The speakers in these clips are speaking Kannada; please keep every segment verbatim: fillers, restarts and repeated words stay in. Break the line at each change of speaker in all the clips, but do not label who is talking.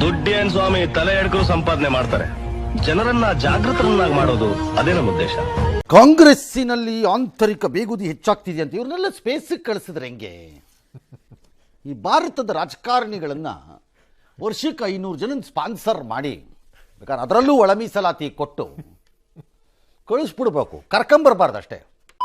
ದುಡ್ಡೇನ್ ಸ್ವಾಮಿ ತಲೆ ಎಡ್ಕರು ಸಂಪಾದನೆ ಮಾಡ್ತಾರೆ. ಜನರನ್ನ ಜಾಗೃತರನ್ನಾಗಿ ಮಾಡೋದು ಅದೇ ನಮ್ಮ ಉದ್ದೇಶ.
ಕಾಂಗ್ರೆಸ್ಸಿನಲ್ಲಿ ಆಂತರಿಕ ಬೇಗುದಿ ಹೆಚ್ಚಾಗ್ತಿದೆ ಅಂತ ಇವ್ರನ್ನೆಲ್ಲ ಸ್ಪೇಸಿಗೆ ಕಳಿಸಿದ್ರೆ ಹೆಂಗೆ? ಈ ಭಾರತದ ರಾಜಕಾರಣಿಗಳನ್ನ ವರ್ಷಕ್ಕೆ ಐನೂರು ಜನ ಸ್ಪಾನ್ಸರ್ ಮಾಡಿ ಬೇಕಾದ್ರೆ ಅದರಲ್ಲೂ ಒಳ ಮೀಸಲಾತಿ ಕೊಟ್ಟು ಕಳಿಸ್ಬಿಡ್ಬೇಕು, ಕರ್ಕೊಂಬರ್ಬಾರ್ದು ಅಷ್ಟೇ.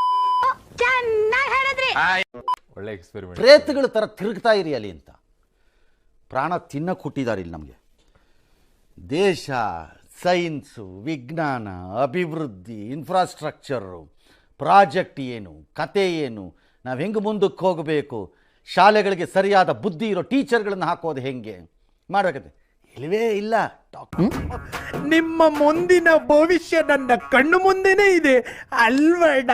ಒಳ್ಳೆ ಎಕ್ಸ್ಪೆರಿಮೆಂಟ್.
ಪ್ರೇತಗಳ ಥರ ತಿರುಗ್ತಾ ಇರಿ ಅಲ್ಲಿ ಅಂತ ಪ್ರಾಣ ತಿನ್ನಕ್ಕೆ ಹುಟ್ಟಿದ್ದಾರೆ ಇಲ್ಲಿ ನಮಗೆ. ದೇಶ, ಸೈನ್ಸು, ವಿಜ್ಞಾನ, ಅಭಿವೃದ್ಧಿ, ಇನ್ಫ್ರಾಸ್ಟ್ರಕ್ಚರು, ಪ್ರಾಜೆಕ್ಟ್ ಏನು, ಕತೆ ಏನು, ನಾವು ಹೆಂಗೆ ಮುಂದಕ್ಕೆ ಹೋಗಬೇಕು, ಶಾಲೆಗಳಿಗೆ ಸರಿಯಾದ ಬುದ್ಧಿ ಇರೋ ಟೀಚರ್ಗಳನ್ನು ಹಾಕೋದು ಹೆಂಗೆ ಮಾಡಬೇಕಂತೆ ಇಲ್ಲವೇ ಇಲ್ಲ.
ನಿಮ್ಮ ಮುಂದಿನ ಭವಿಷ್ಯ ನನ್ನ ಕಣ್ಣು ಮುಂದೆನೇ ಇದೆ ಅಲ್ವಡ.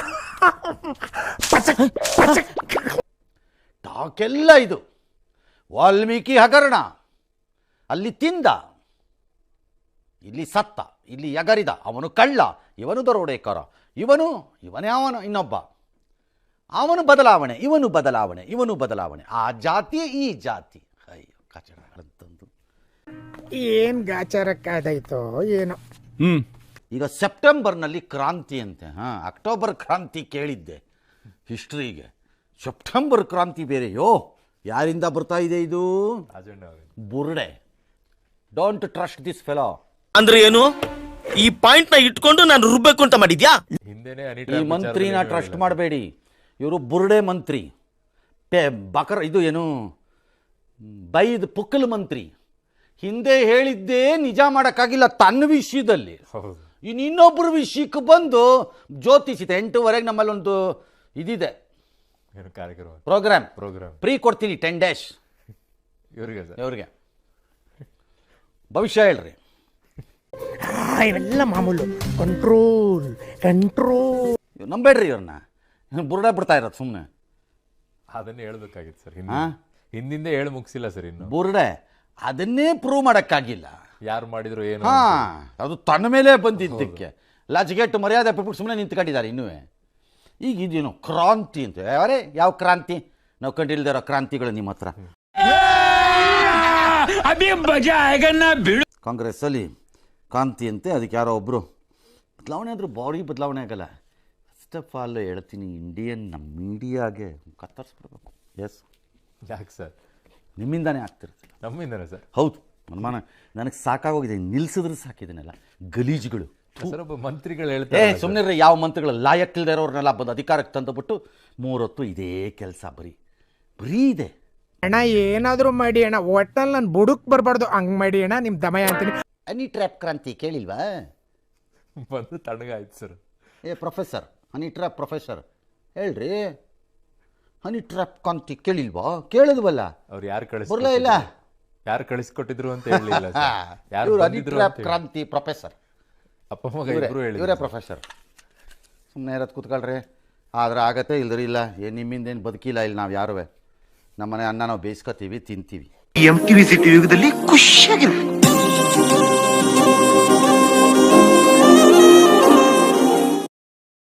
ಟಾಕೆಲ್ಲ ಇದು ವಾಲ್ಮೀಕಿ ಹಗರಣ. ಅಲ್ಲಿ ತಿಂದ, ಇಲ್ಲಿ ಸತ್ತ, ಇಲ್ಲಿ ಎಗರಿದ, ಅವನು ಕಳ್ಳ, ಇವನು ದರೋಡೆಕಾರ, ಇವನು ಇವನೇ ಅವನು ಇನ್ನೊಬ್ಬ, ಅವನು ಬದಲಾವಣೆ, ಇವನು ಬದಲಾವಣೆ, ಇವನು ಬದಲಾವಣೆ, ಆ ಜಾತಿ ಈ ಜಾತಿ. ಅಯ್ಯೋ ಕಚಡಗಳಂತಂದು
ಏನ್ ಗಾಚಾರಕ್ಕಾದಾಯ್ತೋ ಏನೋ.
ಹ್ಮ್ ಈಗ ಸೆಪ್ಟೆಂಬರ್ನಲ್ಲಿ ಕ್ರಾಂತಿ ಅಂತೆ. ಹಾಂ, ಅಕ್ಟೋಬರ್ ಕ್ರಾಂತಿ ಕೇಳಿದ್ದೆ ಹಿಸ್ಟ್ರಿಗೆ, ಸೆಪ್ಟೆಂಬರ್ ಕ್ರಾಂತಿ ಬೇರೆಯೋ. ಯಾರಿಂದ ಬರ್ತಾ ಇದೆ ಇದು? ಬುರ್ಡೆ. Don't trust this fellow.
ಅಂದ್ರೆ ಏನು? ಈ ಪಾಯಿಂಟ್ ನ ಇಟ್ಕೊಂಡು ನಾನು ರುಬ್ಬೇಕು ಅಂತ ಮಾಡಿದ್ಯಾ?
ಈ ಮಂತ್ರಿನ ಟ್ರಸ್ಟ್ ಮಾಡಬೇಡಿ, ಇವರು ಬುರ್ಡೆ ಮಂತ್ರಿ, ಪೆ ಬಕರ್ ಇದು ಏನು ಬೈದ್ ಪುಕ್ಕಲ್ ಮಂತ್ರಿ. ಹಿಂದೆ ಹೇಳಿದ್ದೇ ನಿಜ ಮಾಡೋಕ್ಕಾಗಿಲ್ಲ ತನ್ನ ವಿಷಯದಲ್ಲಿ, ಇನ್ನು ಇನ್ನೊಬ್ಬರ ವಿಷಯಕ್ಕೆ ಬಂದು ಜ್ಯೋತಿಷಿತ. ಎಂಟೂವರೆಗೆ ನಮ್ಮಲ್ಲಿ ಒಂದು ಇದಿದೆ ಪ್ರೋಗ್ರಾಮ್, ಪ್ರೋಗ್ರಾಮ್ ಫ್ರೀ ಕೊಡ್ತೀನಿ ಟೆನ್ ಡೇಸ್ ಇವ್ರಿಗೆ ಇವ್ರಿಗೆ ಭವಿಷ್ಯ ಹೇಳ್ರಿ.
ಇವೆಲ್ಲ ಮಾಮೂಲು. ಕಂಟ್ರೋಲ್ ಕಂಟ್ರೋಲ್
ನಂಬೇಡ್ರಿ ಇವ್ರನ್ನ, ಬುರ್ಡೆ ಬಿಡ್ತಾ ಇರೋದು ಸುಮ್ಮನೆ.
ಅದನ್ನೇ ಹೇಳ್ಬೇಕಾಗಿತ್ತು ಸರ್, ಹಿಂದಿಂದ ಹೇಳಿ ಮುಗಿಸಿಲ್ಲ ಸರ್ ಇನ್ನು.
ಬುರ್ಡೆ ಅದನ್ನೇ ಪ್ರೂವ್ ಮಾಡೋಕ್ಕಾಗಿಲ್ಲ.
ಯಾರು ಮಾಡಿದ್ರು ಏನು?
ಹಾ, ಅದು ತನ್ನ ಮೇಲೆ ಬಂದಿದ್ದಕ್ಕೆ ಲಜ್ಗೆಟ್ಟು ಮರ್ಯಾದೆ ಬಿಟ್ಬಿಟ್ಟು ಸುಮ್ಮನೆ ನಿಂತ್ಕೊಂಡಿದ್ದಾರೆ ಇನ್ನೂ. ಈಗ ಇದೇನು ಕ್ರಾಂತಿ ಅಂತ, ಅವರೇ ಯಾವ ಕ್ರಾಂತಿ? ನಾವು ಕಂಡಿಲ್ದೇ ಇರೋ ಕ್ರಾಂತಿಗಳು ನಿಮ್ಮ ಹತ್ರ. ಕಾಂಗ್ರೆಸ್ ಅಲ್ಲಿ ಕ್ರಾಂತಿ ಅಂತೆ, ಅದಕ್ಕೆ ಯಾರೋ ಒಬ್ರು ಬದಲಾವಣೆ ಆದರೂ ಬಾಡಿ ಬದಲಾವಣೆ ಆಗಲ್ಲ. ಫಸ್ಟ್ ಆಫ್ ಆಲ್ ಹೇಳ್ತೀನಿ, ಇಂಡಿಯನ್ ನಮ್ಮ ಮೀಡಿಯಾಗೆ ಕತ್ತರಿಸ್ಬಿಡ್ಬೇಕು. ಎಸ್,
ಯಾಕೆ ಸರ್?
ನಿಮ್ಮಿಂದಾನೇ ಆಗ್ತಿರುತ್ತೆ.
ನಮ್ಮಿಂದಾನೆ ಸರ್?
ಹೌದು, ಅನುಮಾನ ನನಗೆ ಸಾಕಾಗೋಗಿದೆ. ನಿಲ್ಸಿದ್ರೆ ಸಾಕಿದನೆಲ್ಲ ಗಲೀಜುಗಳು.
ಒಬ್ಬ ಮಂತ್ರಿಗಳು
ಏ
ಹೇಳ್ತಾರೆ
ಸುಮ್ಮನೆ ಯಾವ ಮಂತ್ರಿಗಳು ಲಾಯಕ್ಕಿಲ್ದೇ ಇರೋರ್ನೆಲ್ಲ ಬಂದು ಅಧಿಕಾರಕ್ಕೆ ತಂದುಬಿಟ್ಟು ಮೂರೊತ್ತು ಇದೇ ಕೆಲಸ ಬರೀ ಬರೀ ಇದೆ.
ಅಣ್ಣ ಏನಾದರೂ ಮಾಡಿ ಅಣ್ಣ, ಒಟ್ಟಲ್ಲಿ ನಾನು ಬುಡುಕ್ ಬರಬಾರ್ದು, ಹಂಗೆ ಮಾಡಿ ಅಣ್ಣ. ನಿಮ್ಮ ದಮಯ ಅಂತೀನಿ.
ಹನಿ ಟ್ರ್ಯಾಪ್ ಕ್ರಾಂತಿ ಕೇಳಿಲ್ವಾ?
ಬಂದು ತಣ್ಣಗಾಯ್ತು ಸರ್.
ಏ ಪ್ರೊಫೆಸರ್, ಹನಿ ಟ್ರ್ಯಾಪ್ ಪ್ರೊಫೆಸರ್ ಹೇಳ್ರಿ, ಹನಿ ಟ್ರ್ಯಾಪ್ ಕ್ರಾಂತಿ ಕೇಳಿಲ್ವಾ? ಕೇಳಿದ್ವಲ್ಲ,
ಅವ್ರು ಯಾರು ಕಳಿಸ್
ಬರಲೇ ಇಲ್ಲ.
ಯಾರು ಕಳಿಸ್ಕೊಟ್ಟಿದ್ರು ಅಂತ ಹೇಳಿಲ್ಲ.
ಹನಿ ಟ್ರ್ಯಾಪ್ ಕ್ರಾಂತಿ ಪ್ರೊಫೆಸರ್
ಅಪ್ಪ ಮಗ ಇಬ್ರು ಹೇಳಿ,
ಇವರೇ ಪ್ರೊಫೆಸರ್. ಸುಮ್ಮನೆ ಇರೋದು ಕೂತ್ಕೊಳ್ರಿ, ಆದ್ರೆ ಆಗತ್ತೆ, ಇಲ್ದ್ರಿ ಇಲ್ಲ. ಏನು ನಿಮ್ಮಿಂದೇನು ಬದುಕಿಲ್ಲ ಇಲ್ಲಿ. ನಾವು ಯಾರುವೆ ನಮ್ಮನೆ ಅನ್ನ ನಾವು ಬೇಯಿಸ್ಕೊತೀವಿ, ತಿಂತೀವಿ.
ಎಂ ಟಿವಿ ಸಿಟಿ ಯುಗದಲ್ಲಿ ಖುಷಿಯಾಗಿರು.